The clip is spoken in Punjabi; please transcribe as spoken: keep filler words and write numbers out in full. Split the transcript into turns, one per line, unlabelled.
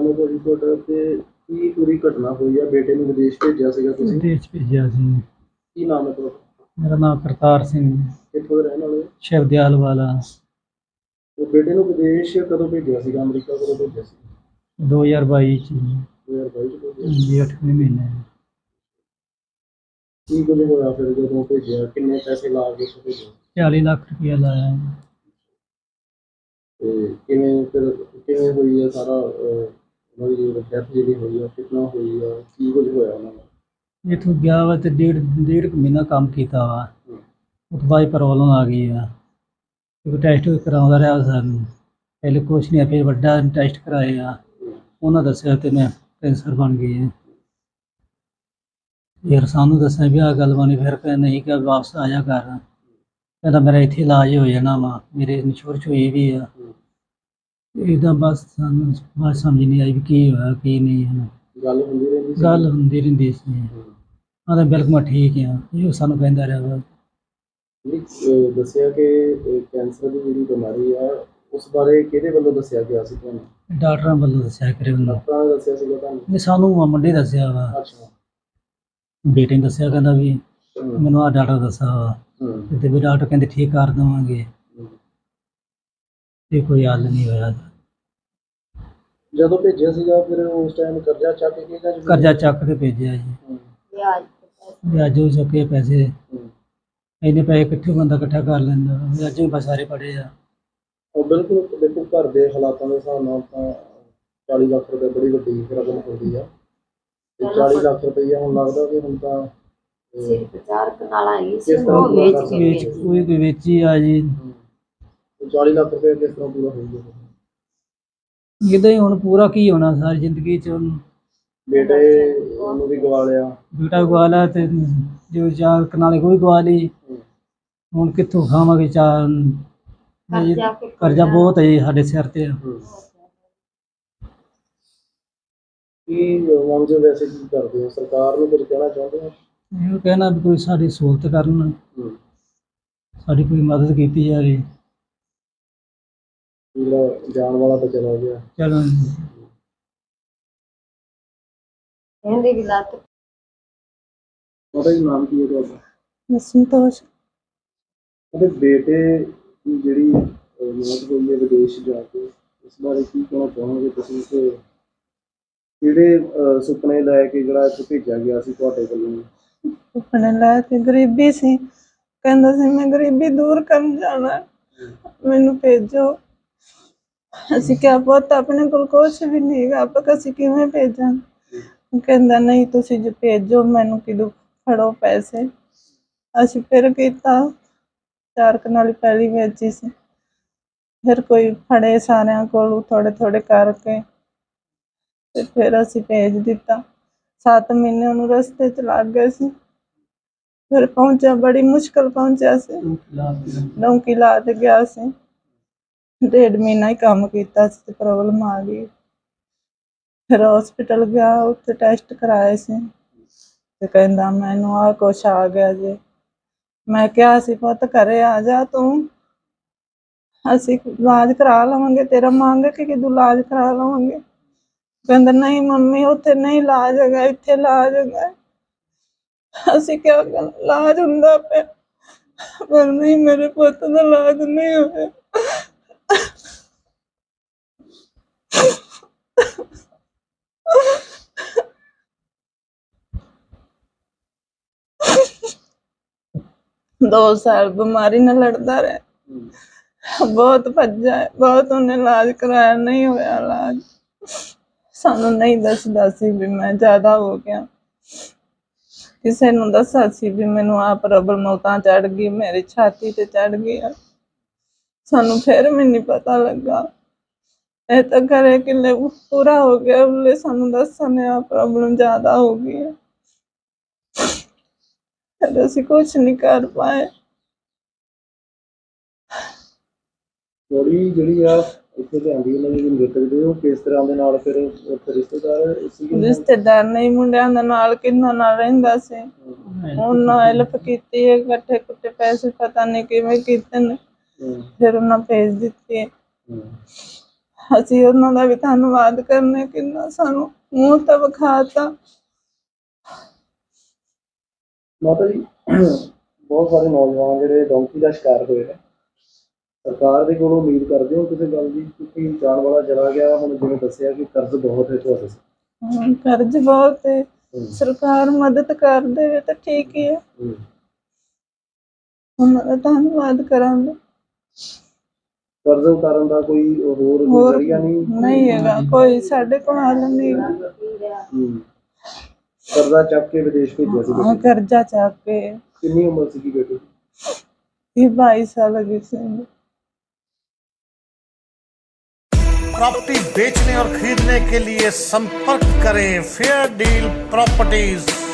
ਨਾਮ ਭਾਜੀ ਤੁਹਾਡਾ ਤੇ ਕੀ ਪੂਰੀ ਘਟਨਾ ਹੋਈ ਆ? ਬੇਟੇ ਨੂੰ ਵਿਦੇਸ਼ ਭੇਜਿਆ ਸੀਗਾ ਤੁਸੀਂ?
ਵਿਦੇਸ਼ ਭੇਜਿਆ ਸੀ।
ਕੀ ਨਾਮ ਹੈ ਤੁਹਾਡਾ?
ਮੇਰਾ ਨਾਮ ਕਰਤਾਰ ਸਿੰਘ,
ਕਿੱਥੋਂ ਦੇ ਰਹਿਣ ਵਾਲੇ ਹੋ?
ਸ਼ਿਵਦਿਆਲ ਵਾਲਾ।
ਤੇ ਬੇਟੇ ਨੂੰ ਵਿਦੇਸ਼ ਕਦੋਂ ਭੇਜਿਆ ਸੀਗਾ? ਅਮਰੀਕਾ ਕਦੋਂ ਭੇਜਿਆ ਸੀ?
ਦੋ ਹਜ਼ਾਰ ਬਾਈ ਚ
ਦੋ ਹਜ਼ਾਰ ਬਾਈ ਚ ਭੇਜਿਆ?
ਜੀ, ਅੱਠਵੇਂ ਮਹੀਨੇ।
ਕੀ ਕੁਝ ਹੋਇਆ ਫਿਰ ਜਦੋਂ ਭੇਜਿਆ? ਕਿੰਨੇ ਪੈਸੇ ਲਾ ਕੇ ਭੇਜਿਆ?
ਚਾਲੀ ਲੱਖ ਰੁਪਇਆ ਲਾਇਆ।
ਤੇ ਕਿਵੇਂ ਫਿਰ ਕਿਵੇਂ ਹੋਈ ਆ ਸਾਰਾ ਉਹਨਾਂ ਦੀ ਜਿਹੜੀ ਡੈਥ ਜਿਹੜੀ ਹੋਈ ਆ ਕਿੰਨਾ ਹੋਈ ਆ? ਕੀ ਕੁਝ ਹੋਇਆ ਉਹਨਾਂ ਨਾਲ?
ਇੱਥੋਂ ਗਿਆ ਵਾ ਤੇ ਡੇਢ ਡੇਢ ਕੁ ਮਹੀਨਾ ਕੰਮ ਕੀਤਾ ਵਾ। ਉਹ ਤੋਂ ਬਾਅਦ ਪ੍ਰੋਬਲਮ ਆ ਗਈ ਆ। ਕਿਉਂਕਿ ਟੈਸਟ ਕਰਾਉਂਦਾ ਰਿਹਾ ਸਾਨੂੰ, ਪਹਿਲੇ ਕੁਛ ਨਹੀਂ, ਫਿਰ ਵੱਡਾ ਟੈਸਟ ਕਰਾਏ ਆ। ਉਹਨਾਂ ਦੱਸਿਆ ਤੇ ਮੈਂ ਕੈਂਸਰ ਬਣ ਗਈ ਹੈ। ਫਿਰ ਸਾਨੂੰ ਦੱਸਿਆ ਵੀ ਆਹ ਗੱਲ ਬਣੀ। ਫਿਰ ਕਹਿੰਦਾ ਨਹੀਂ ਕਿ ਵਾਪਸ ਆ ਜਾ ਕਰ। ਕਹਿੰਦਾ ਮੇਰਾ ਇੱਥੇ ਇਲਾਜ ਹੋ ਜਾਣਾ ਵਾ, ਮੇਰੇ ਇੰਸ਼ੋਰੈਂਸ ਹੋਈ ਵੀ ਆ। ਇਹਦਾ ਬਸ ਸਾਨੂੰ ਬਾਤ ਸਮਝ ਨਹੀਂ ਆਈ ਵੀ ਕੀ ਹੋਇਆ ਕੀ ਨਹੀਂ ਹੈ।
ਗੱਲ ਹੁੰਦੀ ਰਹਿੰਦੀ ਸੀ?
ਗੱਲ ਹੁੰਦੀ ਰਹਿੰਦੀ ਸੀ। ਆਂਦਾ ਬਿਲਕੁਲ ਮੈਂ ਠੀਕ ਆ, ਇਹ ਸਾਨੂੰ ਕਹਿੰਦਾ ਰਿਹਾ ਵਾ।
ਨਹੀਂ ਦੱਸਿਆ ਕਿ ਕੈਂਸਰ ਦੀ ਜਿਹੜੀ ਬਿਮਾਰੀ ਆ ਉਸ ਬਾਰੇ ਕਿਹਦੇ ਵੱਲੋਂ ਦੱਸਿਆ ਗਿਆ ਸੀ ਤੁਹਾਨੂੰ?
ਡਾਕਟਰਾਂ ਵੱਲੋਂ ਦੱਸਿਆ ਕਰੇ ਵੱਲੋਂ।
ਡਾਕਟਰਾਂ ਨੇ ਦੱਸਿਆ ਸੀਗਾ ਤੁਹਾਨੂੰ?
ਨਹੀਂ, ਸਾਨੂੰ ਮੁੰਡੇ ਦੱਸਿਆ ਵਾ।
ਅੱਛਾ।
ਬੇਟੇ ਨੇ ਦੱਸਿਆ, ਕਹਿੰਦਾ ਵੀ ਮੈਨੂੰ ਆਹ ਡਾਕਟਰ ਦੱਸਿਆ ਵਾ ਤੇ ਵੀ ਡਾਕਟਰ ਕਹਿੰਦੇ ਠੀਕ ਕਰ ਦੇਵਾਂਗੇ। ਤੇ ਕੋਈ ਹੱਲ ਨਹੀਂ ਹੋਇਆ।
ਜਦੋਂ ਭੇਜਿਆ ਸੀਗਾ ਫਿਰ ਉਸ ਟਾਈਮ ਕਰਜ਼ਾ ਚੱਕ ਕੇ ਜਾਂ
ਕਰਜ਼ਾ ਚੱਕ ਕੇ ਭੇਜਿਆ ਜੀ। ਵਿਆਜ ਹੋ ਚੁੱਕੇ ਪੈਸੇ। ਇੰਨੇ ਪੈਸੇ ਇਕੱਠੇ ਬੰਦਾ ਇਕੱਠਾ ਕਰ ਲੈਂਦਾ। ਵਿਆਜ ਵੀ ਬਸ ਸਾਰੇ ਪੜੇ ਆ।
ਉਹ ਬਿਲਕੁਲ ਦੇਖੋ, ਘਰ ਦੇ ਹਾਲਾਤਾਂ ਦੇ ਹਿਸਾਬ ਨਾਲ ਤਾਂ ਚਾਲੀ ਲੱਖ ਰੁਪਏ ਬੜੀ ਵੱਡੀ ਰਕਮ ਹੁੰਦੀ ਆ। ਤੇ ਚਾਲੀ ਲੱਖ ਰੁਪਈਆ ਹੁਣ ਲੱਗਦਾ ਕਿ ਹੁਣ ਤਾਂ
ਸਿਰਫ ਚਾਰ ਕਨਾਲਾਂ ਹੀ ਸੀ,
ਕਿਸ ਤਰ੍ਹਾਂ
ਉਹ
ਪੂਰਾ
ਵੇਚ
ਕਰ
ਕੇ
ਸਕਦੇ?
ਵੇਚ ਕੋਈ ਕੋਈ ਵੇਚੀ ਆ ਜੀ।
ਚਾਲੀ ਲੱਖ ਰੁਪਏ ਕਿਸ ਤਰ੍ਹਾਂ ਪੂਰਾ ਹੋਊਗਾ?
ਇੱਦਾਂ ਹੀ ਹੁਣ ਪੂਰਾ ਕੀ ਹੋਣਾ ਸਾਰੀ ਜ਼ਿੰਦਗੀ ਚ। ਉਹਨੂੰ
ਬੇਟੇ ਉਹਨੂੰ ਵੀ ਗਵਾ ਲਿਆ।
ਬੇਟਾ ਗਵਾ ਲਿਆ ਤੇ ਜੋ ਚਾਰ ਕਨਾਲੇ ਕੋਈ ਗਵਾ ਲਈ। ਹੁਣ ਕਿੱਥੋਂ ਖਾਵਾਂਗੇ ਚਾਰ? ਕਰਜ਼ਾ ਬਹੁਤ ਹੈ ਜੀ ਸਾਡੇ ਸਿਰ ਤੇ।
ਕੀ ਮੰਗਦੇ ਹੋ ਵੈਸੇ? ਕੀ ਕਰਦੇ ਹੋ? ਸਰਕਾਰ ਨੂੰ ਕੁਝ ਕਹਿਣਾ ਚਾਹੁੰਦੇ ਹੋ?
ਇਹ ਕਹਿਣਾ ਵੀ ਕੋਈ ਸਾਡੀ ਸਹੂਲਤ ਕਰਨ, ਸਾਡੀ ਕੋਈ ਮਦਦ ਕੀਤੀ ਜਾਵੇ।
ਜਿਹੜਾ ਜਾਣ ਵਾਲਾ ਤਾਂ ਚਲਾ ਗਿਆ।
ਚਲੋ
ਕਹਿੰਦੇ ਵੀ ਲੱਤ।
ਉਹਦਾ ਹੀ ਨਾਮ ਕੀ ਹੈ ਤੁਹਾਡਾ?
ਸੰਤੋਸ਼।
ਉਹਦੇ ਬੇਟੇ ਦੀ ਜਿਹੜੀ ਮੌਤ ਹੋਈ ਹੈ ਵਿਦੇਸ਼ ਜਾ ਕੇ, ਇਸ ਬਾਰੇ ਕੀ ਕਹਿਣਾ ਚਾਹੋਗੇ ਤੁਸੀਂ? ਕਿ ਕਿਹੜੇ ਸੁਪਨੇ ਲੈ ਕੇ ਜਿਹੜਾ ਇੱਥੇ ਭੇਜਿਆ ਗਿਆ ਸੀ ਤੁਹਾਡੇ ਵੱਲੋਂ?
ਸੁਪਨੇ ਲੈ ਕੇ ਗਰੀਬੀ ਸੀ। ਕਹਿੰਦਾ ਸੀ ਮੈਂ ਗਰੀਬੀ ਦੂਰ ਕਰਨ ਜਾਣਾ, ਮੈਨੂੰ ਭੇਜੋ। ਅਸੀਂ ਕਿਹਾ ਪੁੱਤ ਆਪਣੇ ਕੋਲ ਕੁਛ ਵੀ ਨਹੀਂ ਹੈਗਾ, ਆਪਾਂ ਅਸੀਂ ਕਿਵੇਂ ਭੇਜਾਂ? ਕਹਿੰਦਾ ਨਹੀਂ ਤੁਸੀਂ ਜੇ ਭੇਜੋ, ਮੈਨੂੰ ਕਿਦੋਂ ਫੜੋ ਪੈਸੇ। ਅਸੀਂ ਫਿਰ ਕੀਤਾ, ਚਾਰ ਕਨਾਲੀ ਪਹਿਲੀ ਵੇਚੀ ਸੀ। ਫਿਰ ਕੋਈ ਫੜੇ ਸਾਰਿਆਂ ਕੋਲ ਥੋੜੇ ਥੋੜੇ ਕਰਕੇ ਤੇ ਫਿਰ ਅਸੀਂ ਭੇਜ ਦਿੱਤਾ। ਸੱਤ ਮਹੀਨੇ ਉਹਨੂੰ ਰਸਤੇ 'ਚ ਲੱਗ ਗਏ ਸੀ। ਫਿਰ ਪਹੁੰਚਿਆ, ਬੜੀ ਮੁਸ਼ਕਿਲ ਪਹੁੰਚਿਆ ਸੀ। ਡੌਂਕੀ ਲਾ ਤੇ ਗਿਆ ਸੀ। ਡੇਢ ਮਹੀਨਾ ਹੀ ਕੰਮ ਕੀਤਾ ਸੀ ਤੇ ਪ੍ਰੋਬਲਮ ਆ ਗਈ। ਫਿਰ ਹੌਸਪੀਟਲ ਗਿਆ, ਉੱਥੇ ਟੈਸਟ ਕਰਾਏ ਸੀ ਤੇ ਕਹਿੰਦਾ ਮੈਨੂੰ ਆਹ ਕੁਛ ਆ ਗਿਆ ਜੇ। ਮੈਂ ਕਿਹਾ ਸੀ ਪੁੱਤ ਘਰੇ ਆ ਜਾ ਤੂੰ, ਅਸੀਂ ਇਲਾਜ ਕਰਾ ਲਵਾਂਗੇ ਤੇਰਾ, ਮੰਗ ਕੇ ਕਿਦੋਂ ਇਲਾਜ ਕਰਾ ਲਵਾਂਗੇ। ਕਹਿੰਦਾ ਨਹੀਂ ਮੰਮੀ ਉੱਥੇ ਨਹੀਂ ਇਲਾਜ ਹੈਗਾ, ਇੱਥੇ ਇਲਾਜ ਹੈਗਾ। ਅਸੀਂ ਕਿਹਾ ਇਲਾਜ ਹੁੰਦਾ ਪਿਆ, ਪਰ ਨਹੀਂ, ਮੇਰੇ ਪੁੱਤ ਦਾ ਇਲਾਜ ਨਹੀਂ ਹੋਇਆ। ਦੋ ਸਾਲ ਬਿਮਾਰੀ ਨਾਲ ਲੜਦਾ ਰਿਹਾ, ਬਹੁਤ ਭੱਜਾ ਹੈ, ਬਹੁਤ ਉਹਨੇ ਇਲਾਜ ਕਰਾਇਆ, ਨਹੀਂ ਹੋਇਆ ਇਲਾਜ। ਸਾਨੂੰ ਨਹੀਂ ਦੱਸਦਾ ਸੀ ਵੀ ਮੈਂ ਜ਼ਿਆਦਾ ਹੋ ਗਿਆ। ਕਿਸੇ ਨੂੰ ਦੱਸਿਆ ਸੀ ਵੀ ਮੈਨੂੰ ਆਹ ਪ੍ਰੋਬਲਮ ਉਤਾਂ ਚੜ੍ਹ ਗਈ, ਮੇਰੀ ਛਾਤੀ ਤੇ ਚੜ੍ਹ ਗਈ ਆ। ਸਾਨੂੰ ਫਿਰ ਵੀ ਨਹੀਂ ਪਤਾ ਲੱਗਾ। ਇਹ ਤਾਂ ਘਰੇ ਕਿਲੇ ਪੂਰਾ ਹੋ ਗਿਆ, ਉਹਨੇ ਸਾਨੂੰ ਦੱਸਣ ਆ ਪ੍ਰੋਬਲਮ ਜ਼ਿਆਦਾ ਹੋ ਗਈ ਹੈ। ਫਿਰ ਅਸੀਂ ਕੁਛ ਨਹੀਂ ਕਰ ਪਾਏ।
ਬੋਡੀ ਜਿਹੜੀ ਆ ਇੱਥੇ ਲਿਆਂਦੀ ਉਹਨਾਂ ਦੀ ਮ੍ਰਿਤਕ ਦੇ, ਉਹ ਕਿਸ ਤਰ੍ਹਾਂ ਦੇ ਨਾਲ ਫਿਰ ਉੱਥੇ ਰਿਸ਼ਤੇਦਾਰ ਸੀਗੇ?
ਰਿਸ਼ਤੇਦਾਰ ਨਹੀਂ, ਮੁੰਡਿਆਂ ਦੇ ਨਾਲ ਕਿੰਨਾ ਨਾਲ ਰਹਿੰਦਾ ਸੀ। ਉਹਨਾਂ ਹੈਲਪ ਕੀਤੀ ਹੈ, ਇਕੱਠੇ ਕੁੱਟੇ ਪੈਸੇ ਪਤਾ ਨਹੀਂ ਕਿਵੇਂ ਕੀਤੇ ਨੇ, ਫਿਰ ਉਹਨਾਂ ਭੇਜ ਦਿੱਤੇ। ਅਸੀਂ ਉਹਨਾਂ ਦਾ ਵੀ ਧੰਨਵਾਦ ਕਰਨੇ, ਕਿੰਨਾ ਸਾਨੂੰ ਮੂੰਹ ਤਾਂ ਵਿਖਾਤਾ।
ਮਾਤਾ ਜੀ ਬਹੁਤ ਸਾਰੇ ਨੌਜਵਾਨ ਜਿਹੜੇ ਡੌਂਕੀ ਦਾ ਸ਼ਿਕਾਰ ਹੋਏ ਨੇ, ਸਰਕਾਰ ਦੇ ਕੋਲੋਂ ਉਮੀਦ ਕਰਦੇ ਹੋ ਕਿਸੇ ਗੱਲ ਦੀ? ਕਿਉਂਕਿ ਜਾਣ ਵਾਲਾ ਚਲਾ ਗਿਆ, ਹੁਣ ਜਿਵੇਂ ਦੱਸਿਆ ਕਿ ਕਰਜ਼ ਬਹੁਤ ਹੈ ਤੁਹਾਡੇ ਸਿਰ।
ਹਾਂ, ਕਰਜ਼ ਬਹੁਤ ਹੈ,
ਹੂੰ।
ਸਰਕਾਰ ਮਦਦ ਕਰ ਦੇਵੇ ਤਾਂ ਠੀਕ ਹੀ ਹੈ,
ਹੂੰ।
ਉਹਨਾਂ ਦਾ ਧੰਨਵਾਦ ਕਰਾਂਗੇ।
ਕਰਜ਼ ਉਤਾਰਨ ਦਾ ਕੋਈ ਹੋਰ ਕੋਈ
ਹੋਰ
ਜ਼ਰੀਆ ਨਹੀਂ?
ਨਹੀਂ ਹੈਗਾ ਕੋਈ, ਸਾਡੇ ਕੋਲ ਹੱਲ ਨਹੀਂ ਹੈਗਾ।
ਹੂੰ। ਕਰਜ਼ਾ ਚੱਕ ਕੇ ਵਿਦੇਸ਼ ਭੇਜਿਆ ਸੀ
ਹਾਂ,
ਬੇਟੀ?
ਕਰਜ਼ਾ ਚੱਕ ਕੇ।
ਕਿੰਨੀ ਉਮਰ ਸੀਗੀ ਬੇਟੀ ਦੀ?
ਇਹ ਬਾਈ साल की थी।
प्रॉपर्टी बेचने और खरीदने के लिए संपर्क करें फेयर डील प्रॉपर्टीज।